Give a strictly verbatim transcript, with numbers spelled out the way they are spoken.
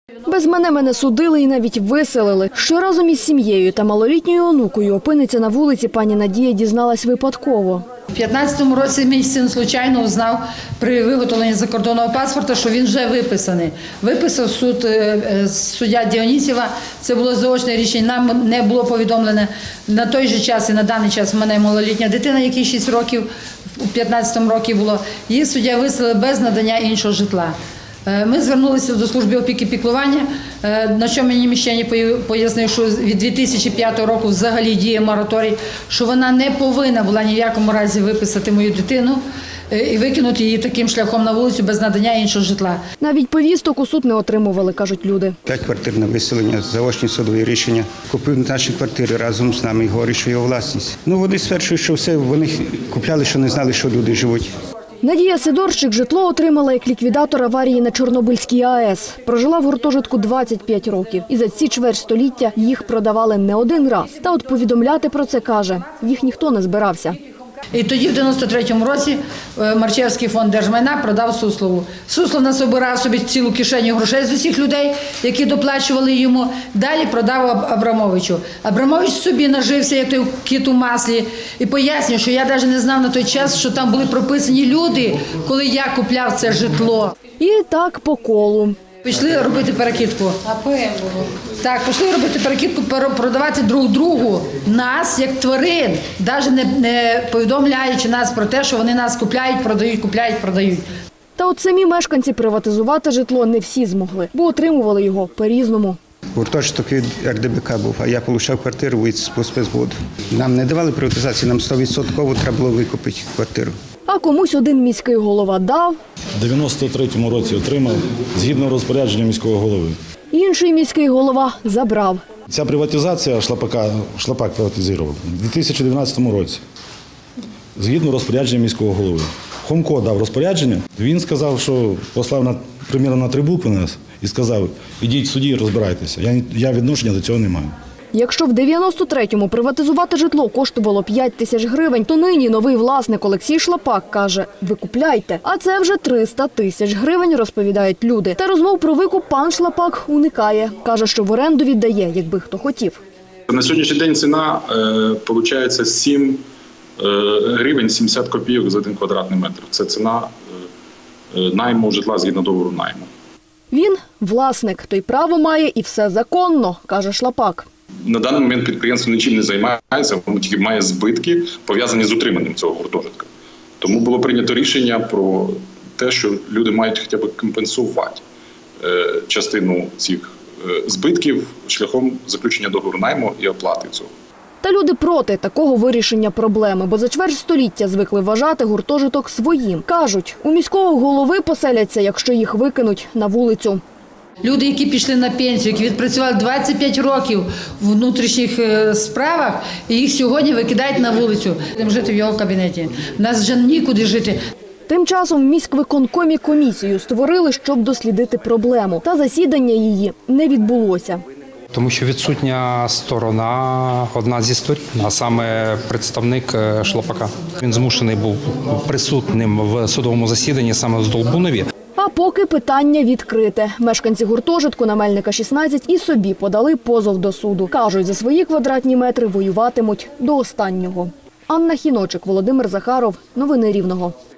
Без мене мене судили і навіть виселили. Що разом із сім'єю та малолітньою онукою опиниться на вулиці, пані Надія дізналась випадково. У п'ятнадцятому році мій син случайно узнав при виготовленні закордонного паспорта, що він вже виписаний. Виписав суд, суддя Діонісєва, це було заочне рішення, нам не було повідомлене. На той же час і на даний час в мене малолітня дитина, якій шість років, у п'ятнадцятому році було. Її суддя виселив без надання іншого житла. Ми звернулися до служби опіки і піклування, на що мені міщані пояснив, що від дві тисячі п'ятого року взагалі діє мораторій, що вона не повинна була ні в якому разі виписати мою дитину і викинути її таким шляхом на вулицю без надання іншого житла. Навіть повісток у суд не отримували, кажуть люди. П'ять квартир на виселення, заочні судові рішення. Купив наші квартири разом з нами і говорить, що його власність. Ну, вони стверджують, що все, вони купляли, що не знали, що люди живуть. Надія Сидорчик житло отримала як ліквідатор аварії на Чорнобильській АЕС. Прожила в гуртожитку двадцять п'ять років. І за ці чверть століття їх продавали не один раз. Та от повідомляти про це, каже, їх ніхто не збирався. І тоді, в дев'яносто третьому році, Марчевський фонд держмайна продав Суслову. Суслов насобирав собі цілу кишеню грошей з усіх людей, які доплачували йому. Далі продав Абрамовичу. Абрамович собі нажився, як той кіт у маслі. І пояснює, що я навіть не знав на той час, що там були прописані люди, коли я купляв це житло. І так по колу. Пішли робити перекидку. Так, пішли робити перекидку, продавати друг другу нас, як тварин, навіть не, не повідомляючи нас про те, що вони нас купляють, продають, купляють, продають. Та от самі мешканці приватизувати житло не всі змогли, бо отримували його по-різному. Гуртожиток від ер де бе ка був, а я отримав квартиру від спецводу. Нам не давали приватизації, нам сто відсотків треба було викупити квартиру. А комусь один міський голова дав. У дев'яносто третьому році отримав, згідно розпорядження міського голови. Інший міський голова забрав. Ця приватизація шлапака, шлапак приватизував у дві тисячі дев'ятнадцятому році, згідно розпорядження міського голови. Хомко дав розпорядження, він сказав, що послав на, примірно на три букви нас і сказав, ідіть в суді і розбирайтеся. Я, я відношення до цього не маю. Якщо в дев'яносто третьому приватизувати житло коштувало п'ять тисяч гривень, то нині новий власник Олексій Шлапак каже – викупляйте. А це вже триста тисяч гривень, розповідають люди. Та розмов про викуп пан Шлапак уникає. Каже, що в оренду віддає, якби хто хотів. На сьогоднішній день ціна, виходить, сім гривень сімдесят копійок за один квадратний метр. Це ціна найму житла згідно договору найму. Він – власник, той право має і все законно, каже Шлапак. На даний момент підприємство нічим не займається, воно тільки має збитки, пов'язані з утриманням цього гуртожитка. Тому було прийнято рішення про те, що люди мають хоча б компенсувати частину цих збитків шляхом заключення договору найму і оплати цього. Та люди проти такого вирішення проблеми, бо за чверть століття звикли вважати гуртожиток своїм. Кажуть, у міського голови поселяться, якщо їх викинуть на вулицю. Люди, які пішли на пенсію, які відпрацювали двадцять п'ять років в внутрішніх справах, і їх сьогодні викидають на вулицю. Будемо жити в його кабінеті. У нас вже нікуди жити. Тим часом в міськвиконкомі комісію створили, щоб дослідити проблему. Та засідання її не відбулося. Тому що відсутня сторона, одна зі сторін, а саме представник Шлапака. Він змушений був присутнім в судовому засіданні саме в Здолбунові. А поки питання відкрите. Мешканці гуртожитку на Мельника шістнадцять і собі подали позов до суду. Кажуть, за свої квадратні метри воюватимуть до останнього. Анна Хіночик, Володимир Захаров. Новини Рівного.